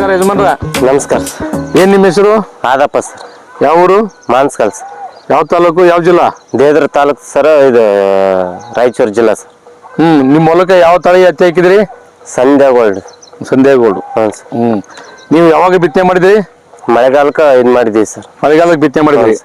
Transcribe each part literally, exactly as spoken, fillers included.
ನಮಸ್ಕಾರ ಯಜಮಾನ್ರ. ನಮಸ್ಕಾರ ಸರ್. ಏನ್ ನಿಮ್ಮ ಹೆಸರು? ಆದಪ್ಪ ಸರ್. ಯಾವ ಊರು? ಮಾನ್ಸ್ಕಲ್ ಸರ್. ಯಾವ ತಾಲೂಕು, ಯಾವ ಜಿಲ್ಲಾ? ದೇದ್ರ ತಾಲೂಕು ಸರ್, ಇದು ರಾಯಚೂರು ಜಿಲ್ಲಾ ಸರ್. ಹ್ಮ್ ನಿಮ್ಮ ಹೊಲಕ್ಕೆ ಯಾವ ತಳಿ ಹತ್ತಿ ಹಾಕಿದ್ರಿ? ಸಂಧ್ಯಾ ಗೋಲ್ಡ್. ಸಂಧ್ಯಾ ಗೋಲ್ಡ್. ಹ್ಞೂ ಸರ್. ಹ್ಮ್ ನೀವು ಯಾವಾಗ ಬಿತ್ತನೆ ಮಾಡಿದ್ರಿ? ಮಳೆಗಾಲಕ್ಕೆ ಇದು ಮಾಡಿದ್ದೀವಿ ಸರ್. ಮಳೆಗಾಲಕ್ಕೆ ಬಿತ್ತನೆ ಮಾಡಿದ್ರಿ.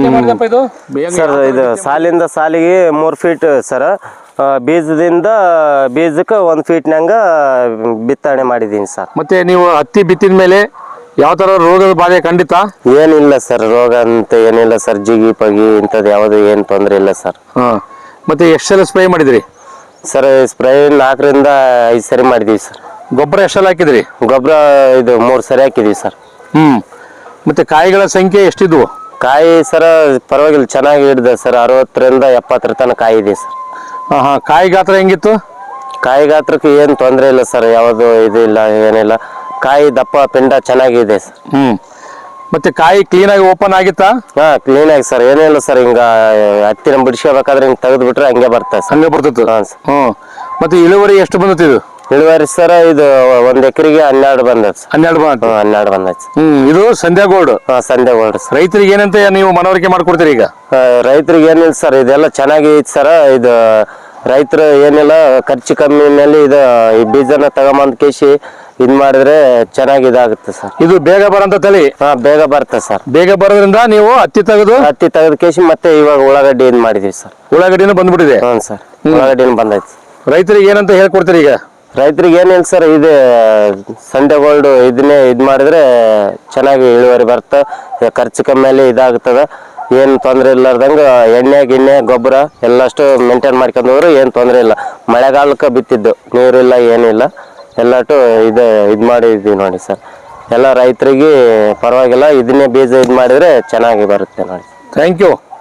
ಸರ್ ಇದು ಸಾಲಿಂದ ಸಾಲಿಗೆ ಮೂರು ಫೀಟ್ ಸರ್. ಬೀಜದಿಂದ ಬೀಜಕ್ಕೆ ಒಂದು ಫೀಟ್ನಂಗ ಬಿತ್ತನೆ ಮಾಡಿದ್ದೀನಿ ಸರ್. ಮತ್ತೆ ನೀವು ಹತ್ತಿ ಬಿತ್ತಿದ ಮೇಲೆ ಯಾವ ತರ ರೋಗದ ಬಾಧೆ ಖಂಡಿತ ಏನಿಲ್ಲ ಸರ್. ರೋಗ ಅಂತ ಏನಿಲ್ಲ ಸರ್. ಜಿಗಿ ಪಗಿ ಇಂಥದ್ದು ಯಾವುದು ಏನು ತೊಂದರೆ ಇಲ್ಲ ಸರ್. ಹಾ ಮತ್ತೆ ಎಷ್ಟು ಸಲ ಸ್ಪ್ರೇ ಮಾಡಿದ್ರಿ? ಸರ್ ಸ್ಪ್ರೇ ನಾಲ್ಕರಿಂದ ಐದು ಸರಿ ಮಾಡಿದ್ದೀವಿ ಸರ್. ಗೊಬ್ಬರ ಎಷ್ಟು ಸಲ ಹಾಕಿದ್ರಿ? ಗೊಬ್ಬರ ಇದು ಮೂರು ಸರಿ ಹಾಕಿದ್ದೀವಿ ಸರ್. ಹ್ಮ್ ಮತ್ತೆ ಕಾಯಿಗಳ ಸಂಖ್ಯೆ ಎಷ್ಟಿದ್ವು? ಕಾಯಿ ಸರ ಪರವಾಗಿಲ್ಲ, ಚೆನ್ನಾಗಿ ಹಿಡಿದೆ ಸರ್. ಅರವತ್ತರಿಂದ ಎಪ್ಪತ್ತರ ತನಕ ಕಾಯಿ ಇದೆ ಸರ್. ಹಾ ಹಾ ಕಾಯಿ ಗಾತ್ರ ಹೆಂಗಿತ್ತು? ಕಾಯಿ ಗಾತ್ರಕ್ಕೆ ಏನು ತೊಂದರೆ ಇಲ್ಲ ಸರ್. ಯಾವುದು ಇದು ಇಲ್ಲ, ಏನಿಲ್ಲ. ಕಾಯಿ ದಪ್ಪ ಪಿಂಡ ಚೆನ್ನಾಗಿದೆ ಸರ್. ಹ್ಮ್ ಮತ್ತೆ ಕಾಯಿ ಕ್ಲೀನ್ ಆಗಿ ಓಪನ್ ಆಗಿತ್ತಾ? ಹಾ ಕ್ಲೀನ್ ಆಗಿ ಸರ್. ಏನಿಲ್ಲ ಸರ್. ಹಿಂಗ ಹತ್ತಿನ ಬಿಡಿಸ್ಕೋಬೇಕಾದ್ರೆ ಹಿಂಗೆ ತೆಗೆದು ಬಿಟ್ರೆ ಹಂಗೆ ಬರ್ತದೆ ಸರ್. ಹಂಗೆ ಬರ್ತಿತ್ತು. ಹಾಂ ಸರ್. ಹ್ಮ್ ಮತ್ತೆ ಇಳುವರಿ ಎಷ್ಟು ಬಂದಿತ್ತು ಇದು? ಇಳುವರಿ ಸರ್ ಇದು ಒಂದ್ ಎಕರೆಗೆ ಹನ್ನೆರಡು ಬಂದೈತೆ ಸರ್. ಹನ್ನೆರಡು ಬಂದ ಹನ್ನೆರಡು ಬಂದೈತೆ. ಹ್ಮ್ ಇದು ಸಂಧ್ಯಾ ಗೋಲ್ಡ್. ಹಾ ಸಂಧ್ಯಾ ಗೋಲ್ಡ್ ಸರ್. ರೈತರಿಗೆ ಏನಂತ ನೀವು ಮನವರಿಕೆ ಮಾಡ್ಕೊಡ್ತೀರಿ ಈಗ? ರೈತರಿಗೆ ಏನಿಲ್ಲ ಸರ್, ಇದೆಲ್ಲ ಚೆನ್ನಾಗಿ ಐತೆ ಸರ್. ಇದು ರೈತರು ಏನಿಲ್ಲ, ಖರ್ಚು ಕಮ್ಮಿನಲ್ಲಿ ಇದು ಈ ಬೀಜನ ತಗೊಂಬಂದ್ ಕೇಸಿ ಇದ್ ಮಾಡಿದ್ರೆ ಚೆನ್ನಾಗಿ ಇದಾಗುತ್ತೆ ಸರ್. ಇದು ಬೇಗ ಬರಂತ ತಳಿ. ಹಾ ಬೇಗ ಬರುತ್ತೆ ಸರ್. ಬೇಗ ಬರೋದ್ರಿಂದ ನೀವು ಹತ್ತಿ ತೆಗೆದು ಹತ್ತಿ ತೆಗೆದ ಕೇಸಿ ಮತ್ತೆ ಇವಾಗ ಉಳ್ಳಾಗಡ್ಡಿ ಇದ್ ಮಾಡಿದೀವಿ ಸರ್. ಉಳ್ಳಾಗಡ್ಡಿನೂ ಬಂದ್ಬಿಟ್ಟಿದೆ. ಹ್ಞೂ ಸರ್. ಉಳ್ಳಾಗಡ್ಡಿನೂ ಬಂದೈತೆ. ರೈತರಿಗೆ ಏನಂತ ಹೇಳ್ಕೊಡ್ತೀರಿ ಈಗ? ರೈತರಿಗೆ ಏನಿಲ್ಲ ಸರ್, ಇದು ಸಂಧ್ಯಾ ಗೋಲ್ಡ್ ಇದನ್ನೇ ಇದು ಮಾಡಿದ್ರೆ ಚೆನ್ನಾಗಿ ಇಳುವರಿ ಬರುತ್ತೆ. ಖರ್ಚು ಕಮ್ಮಿಯಲ್ಲಿ ಇದಾಗ್ತದೆ. ಏನು ತೊಂದರೆ ಇಲ್ಲಾರ್ದಂಗೆ ಎಣ್ಣೆ ಗಿಣ್ಣೆ ಗೊಬ್ಬರ ಎಲ್ಲಷ್ಟು ಮೇಂಟೈನ್ ಮಾಡ್ಕೊಂಡು ಹೋದ್ರೆ ಏನು ತೊಂದರೆ ಇಲ್ಲ. ಮಳೆಗಾಲಕ್ಕೆ ಬಿತ್ತಿದ್ದು, ನೀರಿಲ್ಲ ಏನಿಲ್ಲ, ಎಲ್ಲಟು ಇದು ಇದು ಮಾಡಿದ್ದೀವಿ ನೋಡಿ ಸರ್. ಎಲ್ಲ ರೈತರಿಗೆ ಪರವಾಗಿಲ್ಲ. ಇದನ್ನೇ ಬೀಜ ಇದು ಮಾಡಿದರೆ ಚೆನ್ನಾಗಿ ಬರುತ್ತೆ ನೋಡಿ. Thank you.